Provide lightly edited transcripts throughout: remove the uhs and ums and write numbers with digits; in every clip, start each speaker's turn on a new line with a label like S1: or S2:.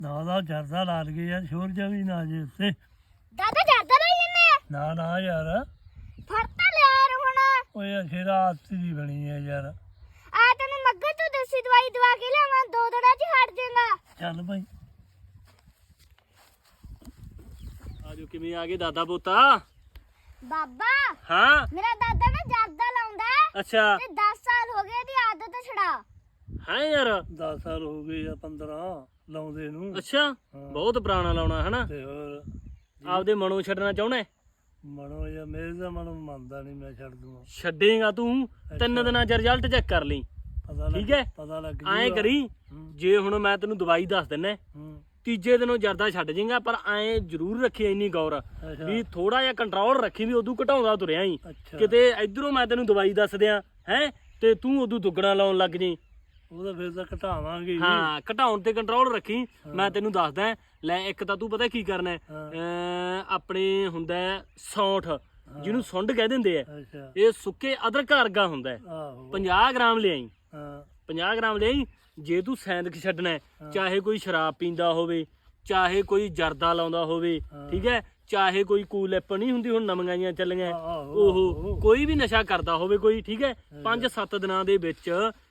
S1: ਨਾ ਜਰਦਾ ਲਾ ਲਗੇ ਯਾਰ ਸ਼ੋਰ ਜਿਹਾ ਵੀ ਨਾ ਜੇ ਉੱਤੇ
S2: ਦਾਦਾ ਜਰਦਾ ਲਈ ਜੰਨੇ
S1: ਨਾ ਯਾਰ
S2: ਫੜ ਤਾਂ ਲਿਆ ਯਾਰ ਹੁਣ
S1: ਓਏ ਅਖੇ ਰਾਤ ਦੀ ਬਣੀ ਹੈ ਯਾਰ
S2: ਆ ਤੈਨੂੰ ਮੱਗਰ ਤੋਂ ਦੇਸੀ ਦਵਾਈ ਦਵਾ ਕੇ ਲਿਆਵਾਂ 2 ਦਿਨਾਂ 'ਚ ਹਟ ਜਾਏਗਾ
S1: ਚੱਲ ਭਾਈ
S3: ਆਜੋ ਕਿਵੇਂ ਆ ਗਏ ਦਾਦਾ ਪੋਤਾ
S2: ਬਾਬਾ
S3: ਹਾਂ
S2: ਮੇਰਾ ਦਾਦਾ ਨਾ ਜਰਦਾ ਲਾਉਂਦਾ ਹੈ
S3: ਅੱਛਾ
S2: ਤੇ 10 ਸਾਲ ਹੋ ਗਏ ਇਹਦੀ ਆਦਤ ਛੜਾ
S3: ਹੈ ਯਾਰ
S1: 10 ਸਾਲ ਹੋ ਗਏ ਜਾਂ 15 ਲਾਉਂਦੇ ਨੂੰ
S3: ਅੱਛਾ ਬਹੁਤ ਪੁਰਾਣਾ ਲਾਉਣਾ ਹਨਾ
S1: ਤੇ ਹੋਰ
S3: ਆਪਦੇ ਮਨੋਂ ਛੱਡਣਾ ਚਾਹੁੰਦਾ
S1: ਮਨੋ ਜਾਂ ਮੇਰੇ ਦਾ ਮਨ ਮੰਨਦਾ ਨਹੀਂ ਮੈਂ ਛੱਡ ਦੂੰਗਾ
S3: ਛੱਡੇਗਾ ਤੂੰ 3 ਦਿਨਾਂ ਚ ਰਿਜ਼ਲਟ ਚੈੱਕ ਕਰ ਲਈ
S1: ਪਤਾ ਲੱਗ
S3: ਠੀਕ ਹੈ
S1: ਪਤਾ ਲੱਗ
S3: ਐਂ
S1: ਜੂਗਾ।
S3: ਕਰੀ
S1: ਹੂੰ,
S3: ਜੇ ਹੁਣ ਮੈਂ ਤੈਨੂੰ ਦਵਾਈ ਦੱਸ ਦਿੰਨਾ
S1: ਹੂੰ,
S3: ਤੀਜੇ ਦਿਨੋਂ ਜਰਦਾ ਛੱਡ ਜਾਏਗਾ ਪਰ ਐਂ ਜ਼ਰੂਰ ਰੱਖੀ ਇੰਨੀ ਗੌਰ
S1: ਅੱਛਾ
S3: ਵੀ ਥੋੜਾ ਜਿਹਾ ਕੰਟਰੋਲ ਰੱਖੀ ਵੀ ਉਦੋਂ ਘਟਾਉਂਦਾ ਤੁਰਿਆ ਹੀ
S1: ਅੱਛਾ
S3: ਕਿਤੇ ਇਧਰੋਂ ਮੈਂ ਤੈਨੂੰ ਦਵਾਈ ਦੱਸ ਦਿਆਂ ਹੈ ਤੇ ਤੂੰ ਉਦੋਂ ਦੁੱਗਣਾ ਲਾਉਣ ਲੱਗ ਜਾਈਂ
S1: ਉਹਦਾ ਫਿਰ ਤਾਂ ਘਟਾਵਾਂਗੇ ਹੀ।
S3: ਹਾਂ ਘਟਾਉਣ ਤੇ ਕੰਟਰੋਲ ਰੱਖੀ ਮੈਂ ਤੈਨੂੰ ਦੱਸਦਾ ਲੈ ਇੱਕ ਤਾਂ ਤੂੰ ਪਤਾ ਕੀ ਕਰਨਾ ਹੈ?
S1: ਹਾਂ।
S3: ਆਪਣੇ ਹੁੰਦਾ ਹੈ ਸੌਂਠ ਜਿਹਨੂੰ ਸੁੰਡ ਕਹਿ ਦਿੰਦੇ ਆ
S1: ਅੱਛਾ
S3: ਇਹ ਸੁੱਕੇ ਅਦਰਕ ਵਰਗਾ ਹੁੰਦਾ ਹੈ
S1: ਆਹੋ
S3: 50 ਗ੍ਰਾਮ ਲਿਆਈ
S1: ਹਾਂ
S3: 50 ਗ੍ਰਾਮ ਲਿਆਈ ਜੇ ਤੂੰ ਸੈਂਦਕ ਛੱਡਣਾ ਹੈ, ਚਾਹੇ ਕੋਈ ਸ਼ਰਾਬ ਪੀਂਦਾ ਹੋਵੇ ਚਾਹੇ ਕੋਈ ਜਰਦਾ ਲਾਉਂਦਾ ਹੋਵੇ ਠੀਕ ਹੈ ਚਾਹੇ ਕੋਈ ਕੂਲਿਪ ਨਹੀਂ ਹੁੰਦੀ ਹੁਣ ਨਵੀਆਂ ਜੀਆਂ ਚੱਲੀਆਂ ਉਹ ਕੋਈ ਵੀ ਨਸ਼ਾ ਕਰਦਾ ਹੋਵੇ ਕੋਈ ਠੀਕ ਹੈ 5-7 ਦਿਨਾਂ ਦੇ ਵਿੱਚ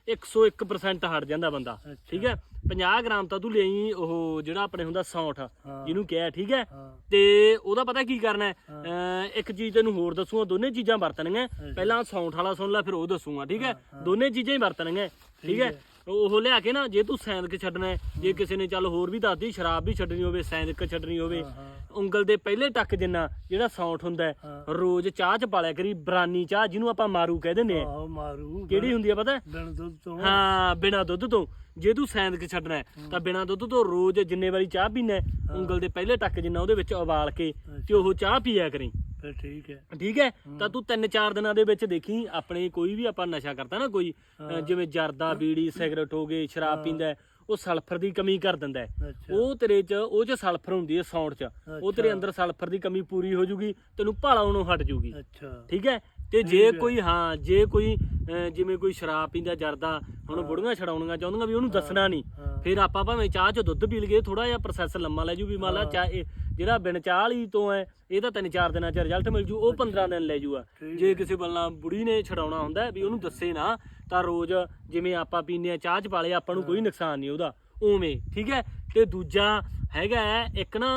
S3: 101% ਹਟ ਜਾਂਦਾ ਬੰਦਾ ਠੀਕ ਹੈ 50 ਗ੍ਰਾਮ ਤਾਂ ਤੂੰ ਲਈ ਉਹ ਜਿਹੜਾ ਆਪਣੇ ਹੁੰਦਾ ਸੌਂਠ ਜਿਹਨੂੰ ਕਿਹਾ ਠੀਕ ਹੈ ਤੇ ਉਹਦਾ ਪਤਾ ਕੀ ਕਰਨਾ ਹੈ ਇੱਕ ਚੀਜ਼ ਤੈਨੂੰ ਹੋਰ ਦੱਸੂਗਾ ਦੋਨੇ ਚੀਜ਼ਾਂ ਵਰਤਣੀਆਂ ਪਹਿਲਾਂ ਸੌਂਠ ਵਾਲਾ ਸੁਣ ਲੈ ਫਿਰ ਉਹ ਦੱਸੂਗਾ ਠੀਕ ਹੈ ਦੋਨੇ ਚੀਜ਼ਾਂ ਹੀ ਵਰਤਣੀਆਂ ਠੀਕ ਹੈ ਉਹ ਲਿਆ ਕੇ ਨਾ ਜੇ ਤੂੰ ਸੈਂਦਕ ਛੱਡਣਾ ਹੈ ਜੇ ਕਿਸੇ ਨੇ ਚੱਲ ਹੋਰ ਵੀ ਦੱਸਦੀ ਸ਼ਰਾਬ ਵੀ ਛੱਡਣੀ ਹੋਵੇ ਸੈਂਦਕ ਛੱਡਣੀ ਹੋਵੇ ਉਂਗਲ ਦੇ ਪਹਿਲੇ ਟੱਕ ਜਿੰਨਾ ਜਿਹੜਾ ਸੌਂਠ ਹੁੰਦਾ ਹੈ ਰੋਜ਼ ਚਾਹ ਚ ਪਾਲਿਆ ਕਰੀ ਬਰਾਨੀ ਚਾਹ ਜਿਹਨੂੰ ਆਪਾਂ ਮਾਰੂ ਕਹਿ ਦਿੰਦੇ ਆ
S1: ਆਹੋ ਮਾਰੂ
S3: ਕਿਹੜੀ ਹੁੰਦੀ ਆ ਪਤਾ
S1: ਬਿਨ ਦੁੱਧ ਤੋਂ
S3: ਹਾਂ ਬਿਨਾ ਦੁੱਧ ਤੋਂ ਜੇ ਤੂੰ ਸੈਂਦਕ ਛੱਡਣਾ ਹੈ ਤਾਂ ਬਿਨਾ ਦੁੱਧ ਤੋਂ ਰੋਜ਼ ਜਿੰਨੇ ਵਾਰੀ ਚਾਹ ਪੀਣਾ ਉਂਗਲ ਦੇ ਪਹਿਲੇ ਟੱਕ ਜਿੰਨਾ ਉਹਦੇ ਵਿੱਚ ਉਬਾਲ ਕੇ ਤੇ ਉਹ ਚਾਹ ਪੀਆ ਕਰੀ
S1: ਫਿਰ ਠੀਕ ਹੈ
S3: ਠੀਕ ਹੈ ਤਾਂ ਤੂੰ 3-4 ਦਿਨਾਂ ਦੇ ਵਿੱਚ ਦੇਖੀ ਆਪਣੇ ਕੋਈ ਵੀ ਆਪਾਂ ਨਸ਼ਾ ਕਰਦਾ ਨਾ ਕੋਈ ਜਿਵੇਂ ਜਰਦਾ ਬੀੜੀ ਸਿਗਰਟ ਹੋ ਗਏ ਸ਼ਰਾਬ ਪੀਂਦਾ ਹੈ, ਉਹ ਸਲਫਰ ਦੀ ਕਮੀ ਕਰ ਦਿੰਦਾ ਹੈ
S1: ਅੱਛਾ
S3: ਉਹ ਤੇਰੇ ਚ ਉਹ ਚ ਸਲਫਰ ਹੁੰਦੀ ਹੈ ਸੌਂਠ ਚ ਉਹ ਤੇਰੇ ਅੰਦਰ ਸਲਫਰ ਦੀ ਕਮੀ ਪੂਰੀ ਹੋ ਜੂਗੀ ਤੈਨੂੰ ਭਾਲਾਉਣੋਂ ਹਟ ਜੂਗੀ
S1: ਅੱਛਾ
S3: ਠੀਕ ਹੈ ਤੇ ਜੇ ਕੋਈ ਜੇ ਕੋਈ ਜਿਵੇਂ ਕੋਈ ਸ਼ਰਾਬ ਪੀਂਦਾ ਜਰਦਾ ਹੁਣ ਬੁੜੀਆਂ ਛਡਾਉਣੀਆਂ ਚਾਹੁੰਦੀਆਂ ਵੀ ਉਹਨੂੰ ਦੱਸਣਾ ਨਹੀਂ ਫਿਰ ਆਪਾਂ ਭਾਵੇਂ ਚਾਹ ਚ ਦੁੱਧ ਪੀ ਲਈਏ ਥੋੜਾ ਜਿਹਾ ਪ੍ਰੋਸੈਸ ਲੰਮਾ ਲੈ ਜੂ ਵੀ ਮੰਨ ਲਾ ਚਾਹ ਜਿਹੜਾ ਬਿਨ ਚਾਹ ਵਾਲੀ ਤੋਂ ਹੈ ਇਹ ਤਾਂ 3-4 ਦਿਨਾਂ ਚ ਰਿਜ਼ਲਟ ਮਿਲ ਜੂ ਉਹ 15 ਦਿਨ ਲੈ ਜੂਗਾ ਜੇ ਕਿਸੇ ਬੱਲਾ ਬੁੜੀ ਨੇ ਛਡਾਉਣਾ ਹੁੰਦਾ ਵੀ ਉਹਨੂੰ ਦੱਸੇ ਨਾ ਤਾਂ ਰੋਜ਼ ਜਿਵੇਂ ਆਪਾਂ ਪੀਂਦੇ ਆ ਚਾਹ ਚ ਪਾਲੇ ਆਪਾਂ ਨੂੰ ਕੋਈ ਨੁਕਸਾਨ ਨਹੀਂ ਉਹਦਾ ਉਵੇਂ ਠੀਕ ਹੈ ਤੇ ਦੂਜਾ ਹੈਗਾ ਇੱਕ ਨਾ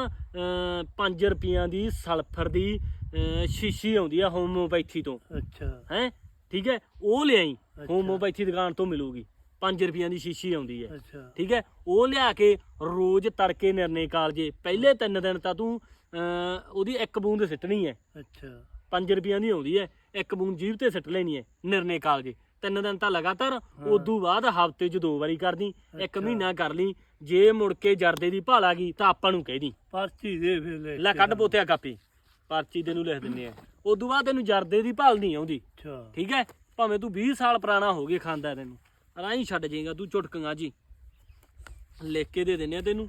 S3: 5 ਰੁਪਈਆਂ ਦੀ ਸਲਫਰ ਦੀ ਸ਼ੀਸ਼ੀ ਆਉਂਦੀ ਆ ਹੋਮੋਪੈਥੀ ਤੋਂ
S1: ਅੱਛਾ
S3: ਹੈ ਠੀਕ ਹੈ ਉਹ ਲਿਆਈ ਹੋਮੋਪੈਥੀ ਦੁਕਾਨ ਤੋਂ ਮਿਲੂਗੀ 5 ਰੁਪਈਆਂ ਦੀ ਸ਼ੀਸ਼ੀ ਆਉਂਦੀ ਹੈ
S1: ਅੱਛਾ
S3: ਠੀਕ ਹੈ ਉਹ ਲਿਆ ਕੇ ਰੋਜ਼ ਤੜਕੇ ਨਿਰਣੇ ਕਾਲਜੇ ਪਹਿਲੇ 3 ਦਿਨ ਤਾਂ ਤੂੰ ਉਹਦੀ 1 ਬੂੰਦ ਸਿੱਟਣੀ ਹੈ
S1: ਅੱਛਾ
S3: 5 ਰੁਪਈਆਂ ਦੀ ਆਉਂਦੀ ਹੈ 1 ਬੂੰਦ ਜੀਭ ਤੇ ਸਿੱਟ ਲੈਣੀ ਹੈ ਨਿਰਣੇ ਕਾਲਜੇ 3 ਦਿਨ ਤਾਂ ਲਗਾਤਾਰ ਉਦੋਂ ਬਾਅਦ ਹਫ਼ਤੇ 'ਚ 2 ਵਾਰੀ ਕਰਦੀ 1 ਮਹੀਨਾ ਕਰ ਲਈ ਜੇ ਮੁੜ ਕੇ ਜਰਦੇ ਦੀ ਭਾਲ ਆ ਗਈ ਤਾਂ ਆਪਾਂ ਨੂੰ ਕਹਿ ਦੀ
S1: ਪਰਚੀ ਦੇ ਫਿਰ
S3: ਲੈ ਕੱਢ ਪੋਤਿਆ ਕਾਪੀ ਪਰਚੀ ਤੈਨੂੰ ਲਿਖ ਦਿੰਨੇ ਆ ਉਦੋਂ ਬਾਅਦ ਤੈਨੂੰ ਜਰਦੇ ਦੀ ਭਾਲ ਨਹੀਂ ਆਉਂਦੀ
S1: ਅੱਛਾ
S3: ਠੀਕ ਹੈ ਭਾਵੇਂ ਤੂੰ 20 ਸਾਲ ਪੁਰਾਣਾ ਹੋ ਗਏ ਖਾਂਦਾ ਤੈਨੂੰ ਰਾਹੀਂ ਛੱਡ ਜਾਏਗਾ ਤੂੰ ਚੁਟਕੀਆਂ ਜੀ ਲਿਖ ਕੇ ਦੇ ਦਿੰਨੇ ਆ ਤੈਨੂੰ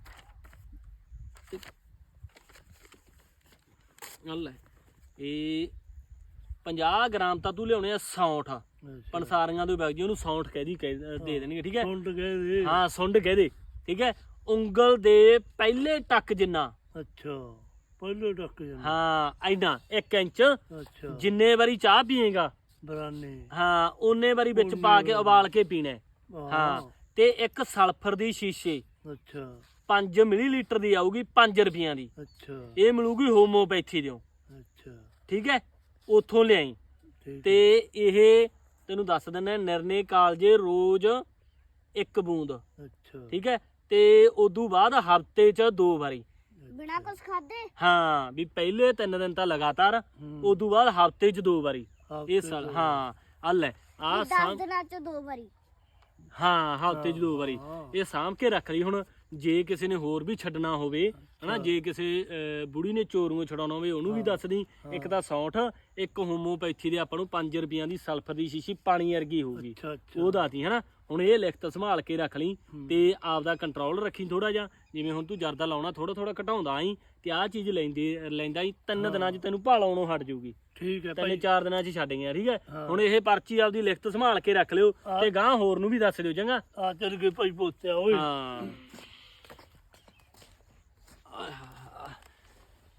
S3: ਲੈ ਇਹ 50 ਗ੍ਰਾਮ ਤਾਂ ਤੂੰ ਲਿਆਉਣੇ ਆ ਸੌਂਠ ਪੰਸਾਰੀਆਂ ਦੇ ਬੈਗ ਜੀ ਉਹਨੂੰ ਸੌਂਠ ਦੇ ਦੇਣਗੇ ਠੀਕ ਹੈ
S1: ਸੁੰਡ ਗਏ ਦੇ
S3: ਹਾਂ ਸੁੰਡ ਕਹਦੇ ਠੀਕ ਹੈ ਉਂਗਲ ਦੇ ਪਹਿਲੇ ਟੱਕ ਜਿੰਨਾ
S1: ਅੱਛਾ ਪਹਿਲੇ ਟੱਕ ਜਾਂਦਾ
S3: ਹਾਂ ਐਨਾ 1 ਇੰਚ
S1: ਅੱਛਾ
S3: ਜਿੰਨੇ ਵਾਰੀ ਚਾਹ ਪੀਏਗਾ
S1: ਬਰਾਨੀ
S3: ਹਾਂ ਓਨੇ ਵਾਰੀ ਵਿੱਚ ਪਾ ਕੇ ਉਬਾਲ ਕੇ ਪੀਣਾ ਹਾਂ ਤੇ ਇੱਕ ਸਲਫਰ ਦੀ ਸ਼ੀਸ਼ੇ
S1: ਅੱਛਾ
S3: 5 ਮਿਲੀਲੀਟਰ ਦੀ ਆਊਗੀ 5 ਰੁਪਈਆਂ ਦੀ
S1: ਅੱਛਾ
S3: ਇਹ ਮਿਲੂਗੀ ਹੋਮੋਪੈਥੀ ਦਿਓ
S1: ਅੱਛਾ
S3: ਠੀਕ ਹੈ ਉੱਥੋਂ ਲਿਆਈ
S1: ਠੀਕ
S3: ਤੇ ਇਹ ਤੈਨੂੰ ਦੱਸ ਦਿੰਦਾ ਨਿਰਣੇ ਕਾਲਜੇ ਰੋਜ਼ 1 ਬੂੰਦ
S1: ਅੱਛਾ
S3: ਠੀਕ ਹੈ ਤੇ ਉਦੋਂ ਬਾਅਦ ਹਫਤੇ 'ਚ 2 ਵਾਰੀ
S2: ਬਿਨਾ ਕੁਝ ਖਾਦੇ
S3: ਹਾਂ ਵੀ ਪਹਿਲੇ 3 ਦਿਨ ਤਾਂ ਲਗਾਤਾਰ ਉਦੋਂ ਬਾਅਦ ਹਫਤੇ 'ਚ 2 ਵਾਰੀ ਇਹ ਸਾਲ ਹਾਂ ਆ ਲੈ ਆ
S2: 10 ਦਿਨਾਂ 'ਚ 2 ਵਾਰੀ
S3: ਹਾਂ ਹਫਤੇ 'ਚ 2 ਵਾਰੀ ਇਹ ਸਾਂਭ ਕੇ ਰੱਖ ਲਈ ਹੁਣ ਜੇ ਕਿਸੇ ਨੇ ਹੋਰ ਵੀ ਛੱਡਣਾ ਹੋਵੇ ਹਨਾ ਜੇ ਕਿਸੇ ਬੁੜੀ ਨੇ ਚੋਰੂ ਛਡਾਉਣਾ ਹੋਵੇ ਉਹਨੂੰ ਵੀ ਦੱਸ ਦੀ ਇੱਕ ਤਾਂ ਸੌਂਠ ਇੱਕ ਹੋਮੋਪੈਥੀ ਦੇ ਆਪਾਂ ਨੂੰ 5 ਰੁਪਈਆਂ ਦੀ ਸਲਫਰ ਦੀ ਸ਼ੀਸ਼ੀ ਪਾਣੀ ਵਰਗੀ ਹੋਊਗੀ ਉਹ ਦਾਤੀ ਹਨਾ ਹੁਣ ਇਹ ਲਿਖਤ ਸੰਭਾਲ ਕੇ ਰੱਖ ਲਈ ਤੇ ਆਪਦਾ ਕੰਟਰੋਲ ਰੱਖੀ ਥੋੜਾ ਜਿਹਾ ਜਿਵੇਂ ਹੁਣ ਤੂੰ ਜਰਦਾ ਲਾਉਣਾ ਥੋੜਾ ਥੋੜਾ ਘਟਾਉਂਦਾ ਆਈ ਤੇ ਆਹ ਚੀਜ਼ ਲੈਂਦਾ ਹੀ 3 ਦਿਨਾਂ 'ਚ ਤੈਨੂੰ ਭਾਲਾਉਣੋਂ ਹਟ ਜਾਊਗੀ
S1: ਠੀਕ ਹੈ
S3: 3-4 ਦਿਨਾਂ 'ਚ ਛੱਡ ਗਿਆ ਠੀਕ ਹੈ ਹੁਣ ਇਹ ਪਰਚੀ ਆਪਦੀ ਲਿਖਤ ਸੰਭਾਲ ਕੇ ਰੱਖ ਲਿਓ ਤੇ ਗਾਂ ਹੋਰ ਨੂੰ ਵੀ ਦੱਸ ਦਿਓ ਚੰਗਾ
S1: ਆ ਚੱਲ ਗਏ ਭਾਈ ਪੋਤਿਆ ਓਏ
S3: ਹਾਂ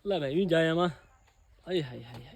S3: ਲੈ ਮੈਂ ਵੀ ਜਾ ਆਵਾਂ ਆਏ ਹਾਏ ਹਾਏ